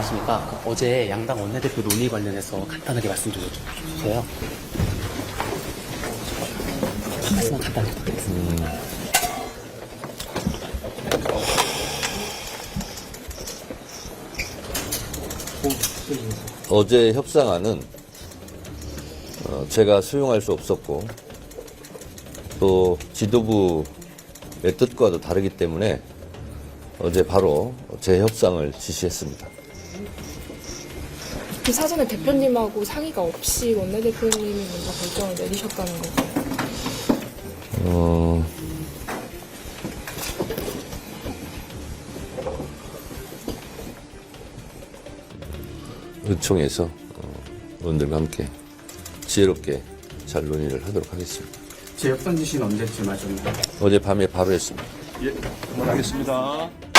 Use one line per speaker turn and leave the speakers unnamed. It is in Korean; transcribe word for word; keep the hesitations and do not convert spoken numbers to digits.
안녕하십니까. 그 어제 양당 원내대표 논의 관련해서 간단하게 말씀 좀 해주세요. 한 말씀만 간단히 부탁드리겠습니다.
음, 어제 협상안은 어, 제가 수용할 수 없었고 또 지도부의 뜻과도 다르기 때문에 어제 바로 재협상을 지시했습니다.
그 사전에 대표님하고 상의가 없이 원내대표님이 먼저 결정을 내리셨다는 거죠.
어, 의총에서 어, 의원들과 함께 지혜롭게 잘 논의를 하도록 하겠습니다.
제 협상 지시는 언제쯤 하셨나요?
어젯밤에 바로 했습니다.
예, 그만하겠습니다.